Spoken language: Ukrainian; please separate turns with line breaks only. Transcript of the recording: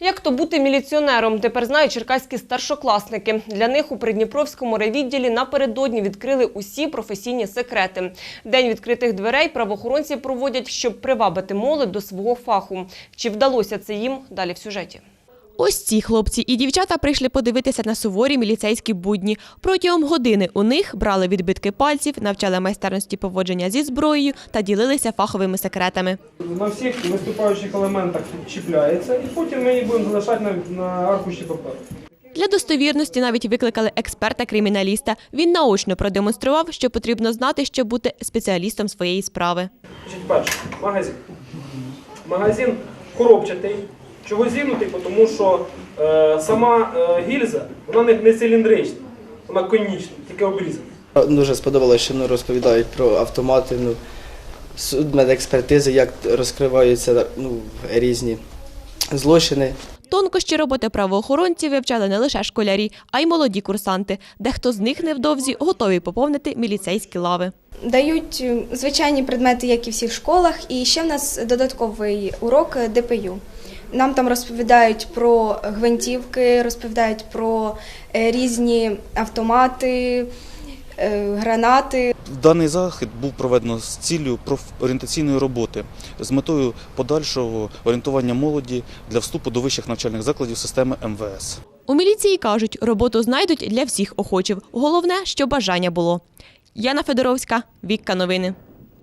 Як то бути міліціонером, тепер знають черкаські старшокласники. Для них у Придніпровському райвідділі напередодні відкрили усі професійні секрети. День відкритих дверей правоохоронці проводять, щоб привабити молодь до свого фаху. Чи вдалося це їм? Далі в сюжеті.
Ось ці хлопці і дівчата прийшли подивитися на суворі міліцейські будні. Протягом години у них брали відбитки пальців, навчали майстерності поводження зі зброєю та ділилися фаховими секретами.
На всіх виступаючих елементах чіпляється, і потім ми їх будемо залишати на аркуші паперу.
Для достовірності навіть викликали експерта-криміналіста. Він наочно продемонстрував, що потрібно знати, щоб бути спеціалістом своєї справи.
Перше, магазин. Магазин коробчатий. Чого зігнутий? Тому що сама гільза, вона не циліндрична, вона конічна, тільки обрізана.
Дуже сподобалося, що розповідають про автомати, медекспертизи, як розкриваються різні злочини.
Тонкощі роботи правоохоронців вивчали не лише школярі, а й молоді курсанти. Дехто з них невдовзі готові поповнити міліцейські лави.
Дають звичайні предмети, як і в всіх школах, і ще в нас додатковий урок ДПЮ. Нам там розповідають про гвинтівки, розповідають про різні автомати, гранати.
Даний захід був проведено з ціллю профорієнтаційної роботи з метою подальшого орієнтування молоді для вступу до вищих навчальних закладів системи МВС.
У міліції кажуть, роботу знайдуть для всіх охочих. Головне, що бажання було. Яна Федоровська, Вікка Новини.